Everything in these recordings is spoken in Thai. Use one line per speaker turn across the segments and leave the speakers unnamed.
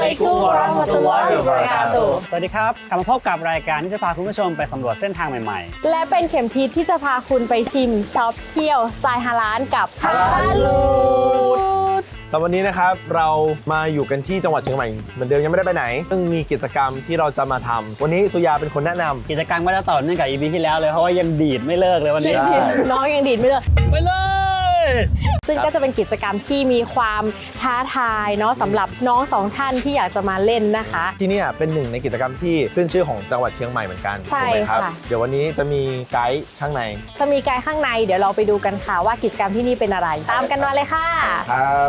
ลัยกุมวะเราะห์มะตุลลอฮิวะบะเราะกาตุฮ์
สวัสดีครับกลับมาพบกับรายการที่จะพาคุณผู้ชมไปสำรวจเส้นทางใหม่ๆ
และเป็นเข็มทิศที่จะพาคุณไปชิมช็อปเที่ยวสไตล์ฮาลาลกับฮาลาลูด
แต่วันนี้นะครับเรามาอยู่กันที่จังหวัดเชียงใหม่เหมือนเดิมยังไม่ได้ไปไหนซึ่งมีกิจกรรมที่เราจะมาทำวันนี้สุยาเป็นคนแนะนำ
กิจกรรมก็จะต่อเนื่องกับ EP ที่แล้วเลยเพราะว่ายังดีดไม่เลิกเลยวันนี้
น้องยังดีดไม่เลิก
ไปเลย
ซึ่งก็จะเป็นกิจกรรมที่มีความท้าทายเนาะสำหรับน้องสองท่านที่อยากจะมาเล่นนะคะ
ที่นี่เป็นหนึ่งในกิจกรรมที่ขึ้นชื่อของจังหวัดเชียงใหม่เหมือนกัน
ใช่
ถูกไหมครับ
ค่ะ
เดี๋ยววันนี้จะมีไกด์ข้างใน
จะมีไกด์ข้างในเดี๋ยวเราไปดูกันค่ะว่ากิจกรรมที่นี่เป็นอะไร ตามกันมาเลยค่ะ
ครับ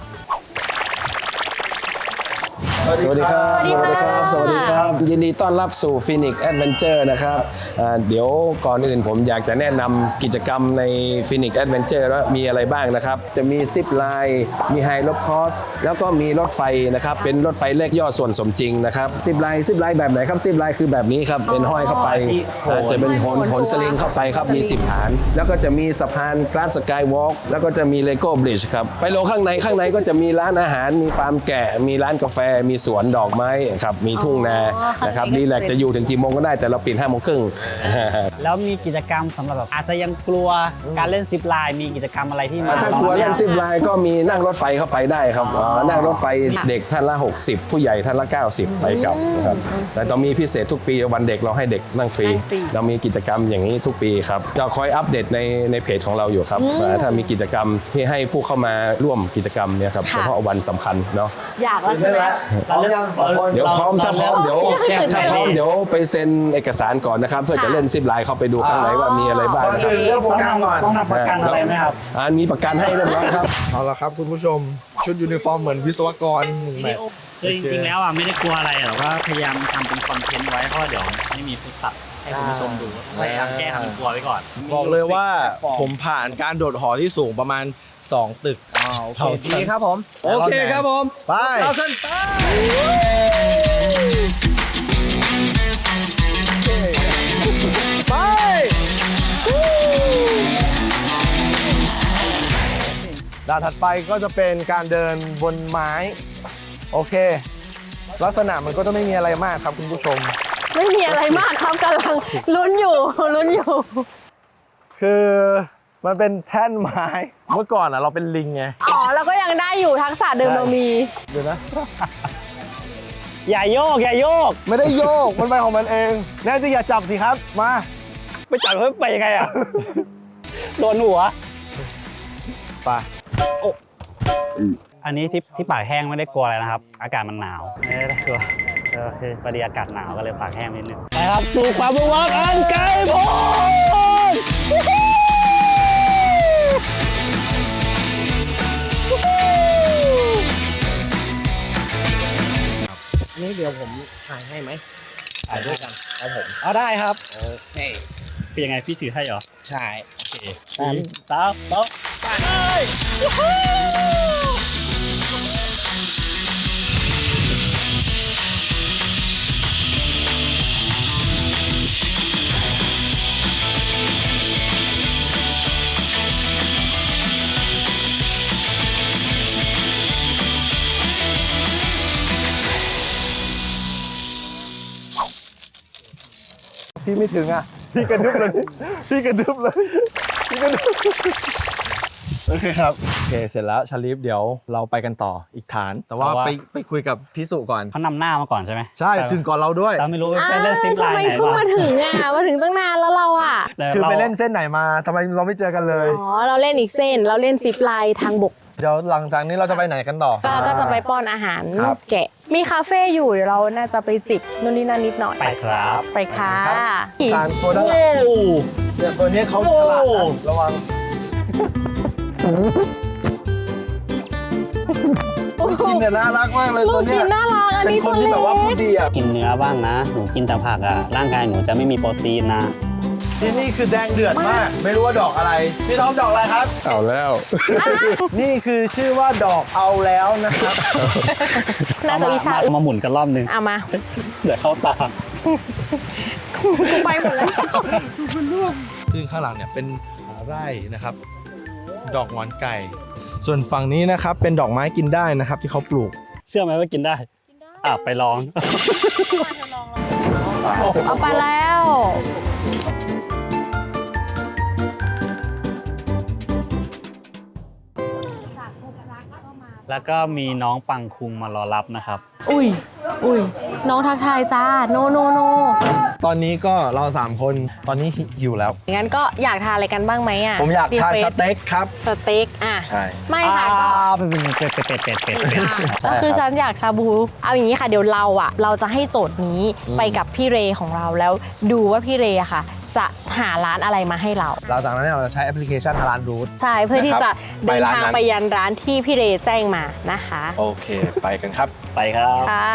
สวัสดีครับ
สวัสดีครับ
สวัสดีครับยินดีต้อนรับสู่ Phoenix Adventure นะครับเดี๋ยวก่อนอื่นผมอยากจะแนะนำกิจกรรมใน Phoenix Adventure ว่ามีอะไรบ้างนะครับจะมีซิปไลน์มีไฮโลคอสแล้วก็มีรถไฟนะครับเป็นรถไฟเลขย่อส่วนสมจริงนะครับซิปไลน์แบบไหนครับซิปไลน์คือแบบนี้ครับเป็นห้อยเข้าไปจะเป็นโหนสลิงเข้าไปครับมี10ฐานแล้วก็จะมีสะพานกราสสกายวอล์กแล้วก็จะมีเลโก้บริดจ์ครับไปลงข้างในก็จะมีร้านอาหารมีฟาร์มแกะมีร้านกาแฟมีสวนดอกไม้ครับมีทุ่งนานะครับรีแลกซ์จะอยู่ถึงกี่โมงก็ได้แต่เราปิด5 โมงครึ่ง
แล้วมีกิจกรรมสำหรับแบบอาจจะยังกลัวการเล่นซิปไลน์มีกิจกรรมอะไรที่มา
ถ้ากลัวเล่นซิปไลน์ก็มีนั่งรถไฟเข้าไปได้ครับนั่งรถไฟเด็กท่านละ60ผู้ใหญ่ท่านละ90ไปกลับนะครับแต่ต้องมีพิเศษทุกปีวันเด็กเราให้เด็กนั่งฟรีเรามีกิจกรรมอย่างนี้ทุกปีครับจะคอยอัปเดตในเพจของเราอยู่ครับถ้ามีกิจกรรมที่ให้ผู้เข้ามาร่วมกิจกรรมเนี่ยครับเฉพาะวันสำคัญเนาะ
อยากแล้วใช่ไหม
เดี๋ยวพร้อมถ้าพร้อมเดี๋ยวไปเซ็นเอกสารก่อนนะครับเพื่อจะเล่นซิปไลน์เข้าไปดูข้างในว่ามีอะไรบ้างนะครับ
ต้องทำประกันอะไรไหมครับ
มีประกันให้เรียบร้อยครับ
เอาละครับคุณผู้ชมชุดยูนิฟอร์มเหมือนวิศวกรหนึ่งแบบ
คือจริงๆแล้วไม่ได้กลัวอะไรหรอกว่าพยายามทำเป็นคอนเทนต์ไว้เพราะว่าเดี๋ยวไม่มีฟุตตัดให้คุณผู้ชมดูพยายามแก้ทำเป็นกลัวไว้ก่อน
บอกเลยว่าผมผ่านการโดดหอที่สูงประมาณ2 ตึกโอเคครับผมโอเคครับผมไปเอาเส้นไปด่านถัดไปก็จะเป็นการเดินบนไม้โอเคลักษณะมันก็จะไม่มีอะไรมากครับคุณผู้ชม
ไม่มีอะไรมากครับกำลังลุ้นอยู่
คือมันเป็นแท่นไม้เมื่อก่อนเราเป็นลิงไง
อ๋อแล้วก็ยังได้อยู่ทักษะเดิมเรามี
เดี๋ยวนะ
อย่าโยก
ไม่ได้โยกมันไปของมันเองแน่จริงอย่าจับสิครับมา
ไปจับเพิ่มไปยังไงอ่ะ โดนหัว
ไป
อันนี้ที่ปากแห้งไม่ได้กลัวอะไรนะครับ อากาศมันหนาวไม่ได้กลัวคือพอดีอากาศหนาวก็เลยปากแห้งนิดนึงไปครับสู่ความมุ่งมั่นอันไกลโพ้น
นี่เดี๋ยวผมถ่ายให้ไหมถ่ายด้วยกันเอาผม
เอาได้ครับ
โอเค
เป็นยังไงพี่ถือให้เหรอ
ใช่
โอเคตามไป
พี่ไม่ถึงอ่ะพี่กระดึ๊บเลยพี่กระดึ๊บเลยโอเคครับโอเคเสร็จแล้วชาลิฟเดี๋ยวเราไปกันต่ออีกฐาน แต่ว่าไปคุยกับพี่สุก่อน
เขานำหน้ามาก่อนใช่ไหม
ใช่ถึงก่อนเราด้วย
เราไม่รู้ไปเล่นซิปไล
ทำ
น์
ไม
ไหน
เพิ่ง
บ้าง
มาถึงมาถึงตั้งนานแล้วเราอ่ะ
คือไปเล่นเส้นไหนมาทำไมเราไม่เจอกันเลย
อ๋อเราเล่นอีกเส้นเราเล่นซิปไลน์ทางบก
เดี๋ยวหลังจากนี้เราจะไปไหนกันต่อ
ก็จะไปป้อนอาหาร
ครับ
แกะมีคาเฟ่อยู่เดี๋ยวเราน่าจะไปจิบนู่นนี่นั่นนิดหน่อย
ไปครับ
ไปค่ะ
ฐานตัวด้านหลังเนี่ยตัวนี้เขาฉลาดนะระวังกินแต่น่ารักมากเลย
ลู
ตัว
ก
เนี้
กิ
ย
นน่ารักอัน
เป็น
นี้
ค
ตั
น
ว
ที่
เล็
แบบว่าพูด
ก
ดีอ่ะ
กินเนื้อบ้างนะ หนูกินแต่ผักร่างกายหนูจะไม่มีโปรตีนนะ
ที่นี่คือแดงเดือดมาก ไม่รู้ว่าดอกอะไรพี่ท็อปดอกอะไรครับ
เอาแล้ว
นี่คือชื่อว่าดอกเอาแล้วนะครับ
น่าจะวิชา
เอามาหมุนกันรอบนึง
เอามา
เดี๋ยวเข้าตา
กูไปหมดแล้ว
ซึ่งข้างหลังเนี่ยเป็นไร่นะครับ ดอกหงอนไก่ ส่วนฝั่งนี้นะครับเป็นดอกไม้กินได้นะครับที่เขาปลูก
เชื่อไหมว่ากินได้
กินได้
ไปลอง
เอาไปแล้ว
แล้วก็มีน้องปังคุงมารอรับนะครับ
อุ้ยน้องทักทายจ้าโน
ตอนนี้ก็เรา3คนตอนนี้หิวแล้ว
งั้นก็อยากทานอะไรกันบ้างไหมอ่ะ
ผมอยากทานสเต็กครับ
สเต็กอ่ะ
ใช่
ไม่ค่ะก็
เป็ด
ก็คือฉันอยากชาบู เอาอย่างนี้ค่ะเดี๋ยวเราจะให้โจทย์นี้ไปกับพี่เรของเราแล้วดูว่าพี่เรอะค่ะ จะหาร้านอะไรมาให้เรา
หลังจากนั้นเนี่ยเราจะใช้แอปพลิเคชันร้านรูท
ใช่เพื่อที่จะ
ไป
เดิน
ร้าน
ทาง
นั้น
ไปยันร้านที่พี่เรแจ้งมานะคะ
โอเค ไปกันครับ
ไปครับ
ค่ะ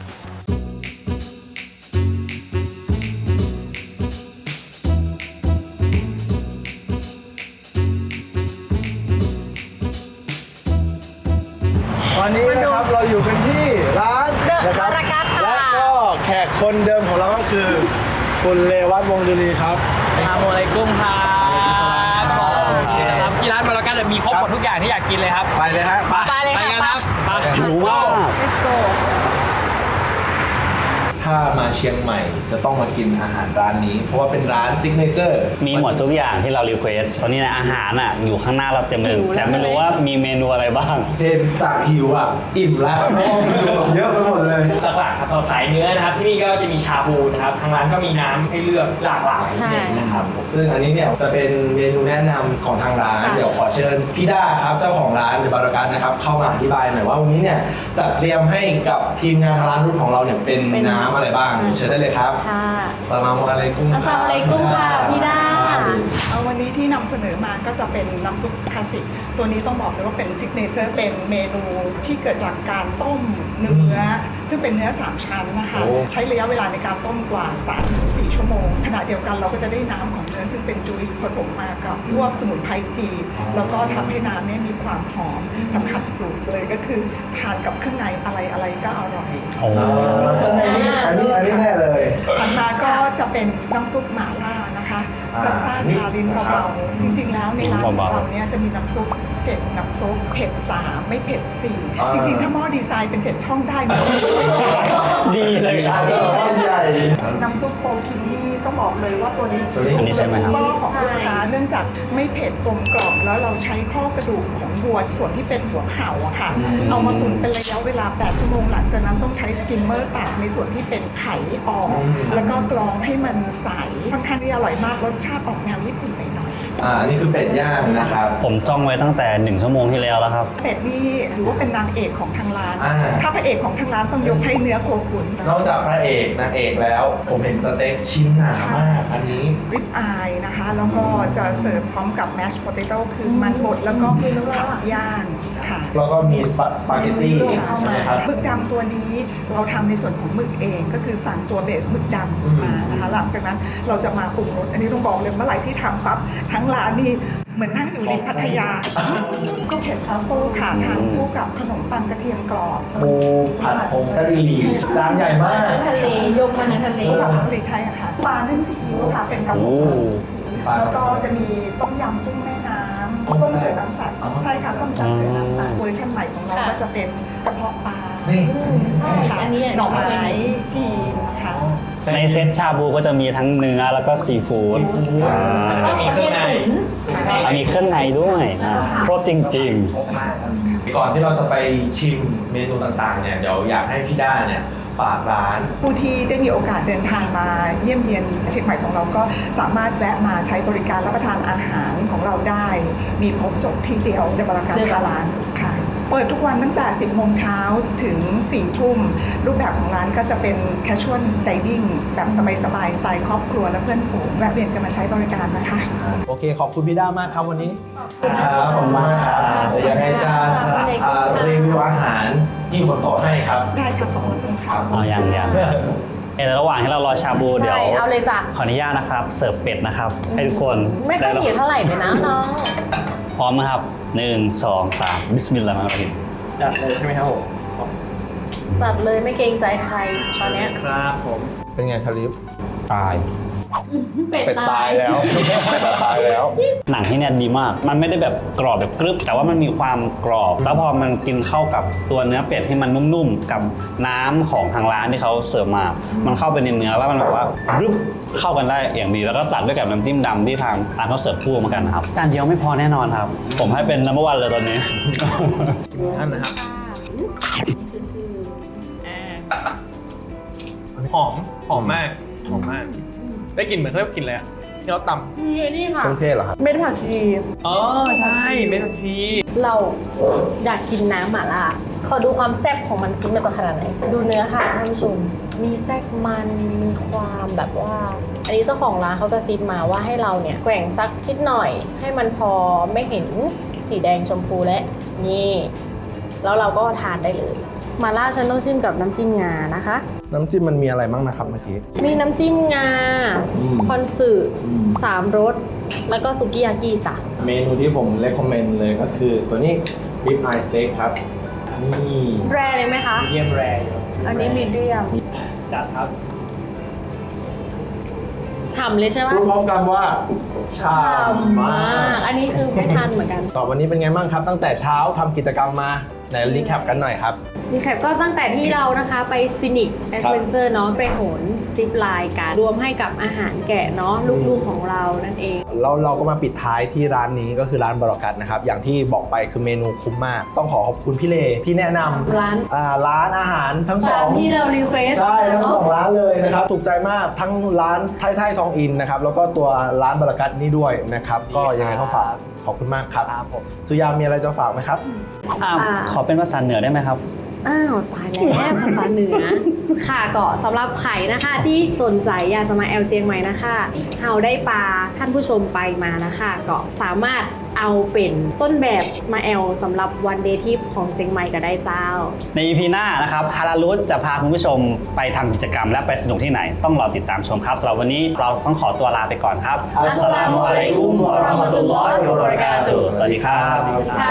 วันนี้นะครับเราอยู่กันที่ร้าน
The
นะครับ
Aragat ค่ะ
และก็แขกคนเดิมของเราก็คือคุณเลวัตวงศ์ดุลีครับ
อัสสลามุอะลัยกุมครับ
โอเค
ครับที่ร้านมารากัสมีครบหมดทุกอย่างที่อยากกินเลยครับ
ไปเลยฮะ
ไปเลย
ไป
ค่ะ
กันครับไป
หิวมาก
Let's go
ถ้ามาเชียงใหม่จะต้องมากินอาหารร้านนี้ เพราะว่าเป็นร้านซิกเนเจอร์
มีหมดทุกอย่างที่เรารีเควสตอนนี้นะอาหารอ่ะอยู่ข้างหน้าเราเต็มเลย
หิวแล้ว
แต่ไม่รู้ว่ามีเมนูอะไรบ้าง
เห็นจากหิวอ่ะ อิ่มแล้วเพราะว่าเมนูเยอะไปหมดเลย
หลักๆครับสำหรับสายเนื้อนะครับ ที่นี่ก็จะมีชาบูนะครับ ทางร้านก็มีน้ำให้เลือกหลากหลาย
ใช่
นะครับ
ซึ่งอันนี้เนี่ยจะเป็นเมนูแนะนำของทางร้าน
ค่ะ
เดี๋ยวขอเชิญพี่ด้าครับเจ้าของร้านเดอะบารากันนะครับเข้ามาอธิบายหน่อยว่าวันนี้เนี่ยจัดเตรียมให้กับทีมงานทางร้านรุ่นของเราเนี่ยเป็นน้ำอะไรบ้างเชิญได้เลยครับ
ค่ะ
สลามอะลัยกุม
อัสสลามุอะลัยกุมค่ะพี่ด้า
เอาวันนี้ที่นำเสนอมาก็จะเป็นน้ำซุปคลาสสิก ตัวนี้ต้องบอกเลยว่าเป็นซิกเนเจอร์เป็นเมนูที่เกิดจากการต้มเนื้อ ซึ่งเป็นเนื้อ 3 ชั้นนะคะ ใช้ระยะเวลาในการต้มกว่า 3-4 ชั่วโมง ขณะเดียวกันเราก็จะได้น้ำของเนื้อซึ่งเป็นจูสผสมมากับพวกสมุนไพรจีนแล้วก็ทำให้น้ำเนี่ยมีความหอมสำคัญสุดเลยก็คือทานกับเครื่องในอะไรก็อร่อย
โอ้
อันนี้แน่เลย
ถัดมาก็จะเป็นน้ำซุปหม่าล่านะคะซัลซ่าชาลิ้นเบาๆจริงๆแล้วในร้านของเราเนี่ยจะมีน้ำซุป7น้ำซุปเผ็ด3ไม่เผ็ด4จริงๆถ้าหม้อดีไซน์เป็น7ช่องได้เนี่ย
ดีเลยครับ
ใหญ่
น้ำซุปโฟกินนี่ต้องบอกเลยว่าตัวนี้
อันนี้ใช่ไหมครับ
หม้อของลูกค้าเนื่องจากไม่เผ็ดกลมกล่อมแล้วเราใช้ข้อกระดูกของวัวส่วนที่เป็นหัวเข่าอะค่ะเอามาตุ๋นเป็นระยะเวลา8ชั่วโมงหลังจากนั้นต้องใช้สกิมเมอร์ตัดในส่วนที่เป็นไข่ออกแล้วก็กรองให้มันใสค่อนข้างที่อร่อยมากรสชาติออกแนวญี่ปุ่นหน่อย
อันนี้คือเป็ดย่างนะครับ
ผมจ้องไว้ตั้งแต่1 ชั่วโมงที่แล้วแล้วครับ
ๆเป็ดนี่ถือว่าเป็นนางเอกของทางร้าน
อ่า
ถ้าพระเอกของทางร้านต้องยกให้เนื้อโคขุน
นอกจากพระเอกนางเอกแล้ว ผมเห็นสเต็กชิ้นหนามากอันนี้
ริบอายนะคะ แล้วก็จะเสิร์ฟพร้อมกับแมชโพเตโต้คือมันบดแล้วก็ผักย่างค่ะ
แล้วก็มีสปาเกตตี้ใช่ไหมครับ
หมึกดำตัวนี้เราทำในส่วนของหมึกเองก็คือสั่งตัวเบสหมึกดำมานะคะหลังจากนั้นเราจะมาปรุงรสอันนี้ต้องบอกเลยเมื่อไหร่ที่ทำปั๊บทั้งร้านนี่เหมือนนั่งอยู่ริมพัทยาซุปเห็ดทรัฟเฟิลค่ะทานคู่กับขนมปังกระเทียมกรอบ
ปูผัดผงกะหรี่จานใหญ่มาก
ทะเลยกมาในทะเล
คู่กับผลิตไทยอะค่ะปลานึ่งซีอิ๊วค่ะเป็นกระปุกซีอิ๊วแล้วก็จะมีต้มยำกุ้งแม่น้ำต้มเสือน้ำใสใช่ค่ะต้มเสือน้ำใสเวอร์ชันใหม่ของเราก็จะเป็นกระเพาะปลา
นี่
ค่ะ
อันนี้
หน่อไม้จีนค่ะ
ในเซตชาบูก็จะมีทั้งเนื้อแล้วก็ซีฟู้ด
จะมีเครื่องใน
มีเครื่องในด้วยครบจริง
ก่อนที่เราจะไปชิมเมนูต่างๆเนี่ยเดี๋ยวอยากให้พี่ด้าเนี่ยฝากร้าน
ผู้ที่ได้มีโอกาสเดินทางมาเยี่ยมเยียนเชียงใหม่ของเราก็สามารถแวะมาใช้บริการรับประทานอาหารของเราได้ มีครบจบที่เดียวในบริการทางร้านค่ะ เปิดทุกวันตั้งแต่ 10 โมงเช้าถึง 4 ทุ่ม รูปแบบของร้านก็จะเป็น casual dining แบบสบายๆ สไตล์ครอบครัวและเพื่อนฝูงแวะเวียนกันมาใช้บริการนะคะ
โอเค ขอบคุณพี่ด้ามากครับวันนี้ครับขอบคุณมากครับเดี๋ยวยังไงจะรีวิวอาหารที่ผมสอนให้ครับ
ได้ค่ะขอบคุณค่ะ
ๆเอาอย่างในระหว่างที่เรารอชาบูเดี๋ยว
ใช่เอาเลยจ้ะ
ขออนุญาตนะครับ เสิร์ฟเป็ดนะครับ ให้ทุกคน
ไม่ค่อย
ด้
หิวเท่าไหร่ไปนะน้อง
พร้อมนะครับ 1 2 3 บิสมิลลาห์มาริม
จัดเลยใช่ไหมครับผม
จัดเลยไม่เกรงใจใครตอนเนี้ย
ครับผม
เป็นไงคาริฟ
ตาย
เป็ดตาย
แล้วเป็ดตายแล้ว
หนังที่เนี่ยดีมาก มันไม่ได้แบบกรอบแบบกรึบแต่ว่ามันมีความกรอบ แล้วพอมันกินเข้ากับตัวเนื้อเป็ดที่มันนุ่มๆกับน้ำของทางร้านที่เขาเสิร์ฟมา มันเข้าไปในเนื้อแล้วมันแบบว่ากรึบเข้ากันได้อย่างดีแล้วก็ตัดด้วยกับน้ำจิ้มดำที่ทางร้านเขาเสิร์ฟคู่มากันครับจานเดียวไม่พอแน่นอนครับ ผมให้เป็นnumber 1เลยตอนนี้
ท่านนะครับหอมมากได้กลิ่นเหมือนเขาเรียกกลิ่นอะไรอะที่เราตำ
มีอันนี้ค่ะ
เครื่องเทศเหรอครับ
เม็ดผักชี
อ๋อใช่เม็ดผักชี
เราอยากกินน้ำหม่าล่าขอดูความแซ่บของมันซิมันจะขนาดไหน ดูเนื้อค่ะท่านผู้ชม มีแทรกมันมีความแบบว่า อันนี้เจ้าของร้านเขากระซิบมาว่าให้เราเนี่ยแกว่งสักนิดหน่อย ให้มันพอไม่เห็นสีแดงชมพูและนี่แล้วเราก็ทานได้เลยหม่าล่าฉันต้องจิ้มกับน้ำจิ้มงานะคะ
น้ำจิ้มมันมีอะไรบ้างนะครับเมื่อกี้
มีน้ำจิ้มงาคอนสึ3 รสแล้วก็สุกี้ยากิจ้ะ
เมนูที่ผมเลคคอมเมนต์เลยก็คือตัวนี้ Rib Eye Steak ครับ นี่
แรเลยไหมคะ
เยี่ยมแรอยู่
อันนี้มีเดียม
จัดครับ
ฉ่ำเลยใช่ไหม
พูดพร้อมกันว่าฉ่ำมาก
อันนี้คือไม่ทันเหมือนกัน
ต่อวันนี้เป็นไงบ้างครับ ตั้งแต่เช้าทำกิจกรรมมาไหนรีแคปกันหน่อยครับ
รีแคปก็ตั้งแต่ที่เรานะคะไปฟินิกแอดเวนเจอร์เนาะไปโหนซิปไลน์กันรวมให้กับอาหารแกะเนาะลูกๆของเรานั่นเอง
เราก็มาปิดท้ายที่ร้านนี้ก็คือร้านบรอกัสนะครับ อย่างที่บอกไปคือเมนูคุ้มมาก ต้องขอขอบคุณพี่เลที่แนะนำร้านอาหารทั้งส
ตา
อ
ม
ง
ที่เรารีเควส
ใช่ทั้งสองร้านเลยนะครับ ถูกใจมากทั้งร้านไทยทองอินนะครับ แล้วก็ตัวร้านบรอกัสนี่ด้วยนะครับ ก็ยังไงก็ฝากขอบคุณมากครับ
ครับผม
สุยามีอะไรจะฝากไหมครับ
ขอเป็นภาษาเหนือได้ไหมครับ
อ้าวตายแล้วภาษาเหนือ ค่ะก็สำหรับไข่นะคะที่สนใจอยากจะมาแอลเจียงใหม่นะคะเฮาได้ปลาท่านผู้ชมไปมานะคะก็สามารถเอาเป็นต้นแบบมาแอลสำหรับวันเดย์ทริปของเชียงใหม่ก็ได้เจ้า
ใน EP หน้านะครับฮาราลุสจะพาคุณผู้ชมไปทำกิจกรรมและไปสนุกที่ไหน ต้องรอติดตามชมครับสำหรับวันนี้เราต้องขอตัวลาไปก่อนครับ
อัสสลามุอะลัยกุมวะเราะห์มะตุลลอฮิวะบะเราะกาตุฮ์
สวัสดีครับ
ค่ะ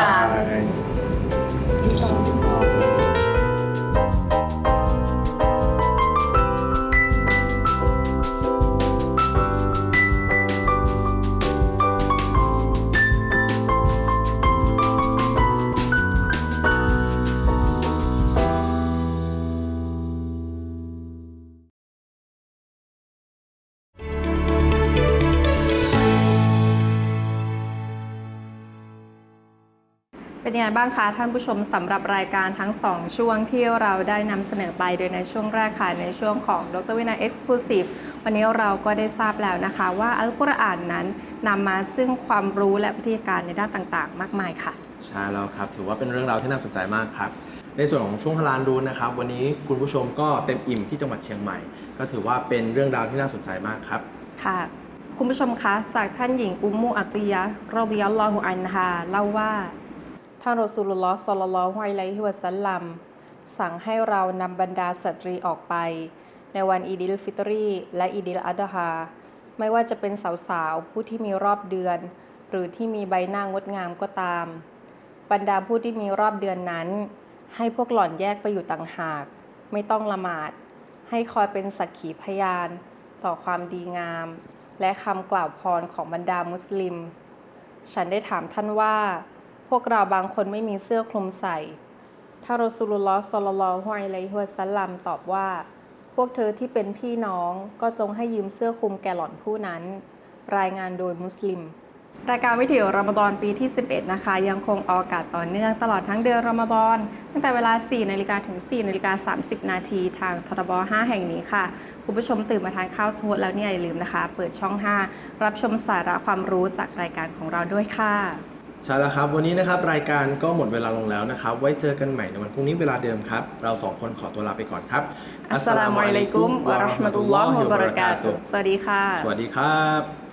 เป็นยังไงบ้างคะท่านผู้ชมสำหรับรายการทั้ง 2 ช่วงที่เราได้นำเสนอไปโดยในช่วงแรกค่ะในช่วงของดร.วินัย Exclusive วันนี้เราก็ได้ทราบแล้วนะคะว่าอัลกุรอานนั้นนำมาซึ่งความรู้และวิธีการในด้านต่างๆ มากมายค่ะ
ใช่แล้วครับถือว่าเป็นเรื่องราวที่น่าสนใจมากครับในส่วนของช่วงฮาลาลรู้นะครับวันนี้คุณผู้ชมก็เต็มอิ่มที่จังหวัดเชียงใหม่ ก็ถือว่าเป็นเรื่องราวที่น่าสนใจมากครับ
ค่ะ คุณผู้ชมคะจากท่านหญิงอุมมุอัติยะห์รอฎิยัลลอฮุอันฮาเล่าว่าท่านรอซูลุลลอฮ์ ศ็อลลัลลอฮุอะลัยฮิวะซัลลัมสั่งให้เรานำบรรดาสตรีออกไปในวันอีดิลฟิตรีและอีดิลอัฎฮาไม่ว่าจะเป็นสาวๆผู้ที่มีรอบเดือน หรือที่มีใบหน้างดงามก็ตามบรรดาผู้ที่มีรอบเดือนนั้นให้พวกหล่อนแยกไปอยู่ต่างหากไม่ต้องละหมาดให้คอยเป็นสักขีพยานต่อความดีงามและคำกล่าวพรของบรรดามุสลิมฉันได้ถามท่านว่าพวกเราบางคนไม่มีเสื้อคลุมใส่ท่านรอซูลุลลอฮ์ ศ็อลลัลลอฮุอะลัยฮิวะซัลลัมตอบว่าพวกเธอที่เป็นพี่น้องก็จงให้ยืมเสื้อคลุมแก่หล่อนผู้นั้นรายงานโดยมุสลิมรายการวิถีรอมฎอนปีที่ 11 นะคะยังคงออกอากาศต่อเนื่องตลอดทั้งเดือนรอมฎอนตั้งแต่เวลา 4 นาฬิกาถึง 4 นาฬิกา 30 นาทีทางทรบ 5 แห่งนี้ค่ะคุณผู้ชมตื่นมาทานข้าวสมุดแล้วเนี่ยอย่าลืมนะคะเปิดช่อง 5 รับชมสาระความรู้จากรายการของเราด้วยค่ะ
ใช่แล้วครับวันนี้นะครับรายการก็หมดเวลาลงแล้วนะครับไว้เจอกันใหม่ในวันพรุ่งนี้เวลาเดิมครับเราสองคนขอตัวลาไปก่อนครับ
อัสสลามุอะลัยกุมวะเราะห์มะตุลลอฮิวะบะเราะกาตุฮ์สวัสดีค่ะ
สวัสดีครับ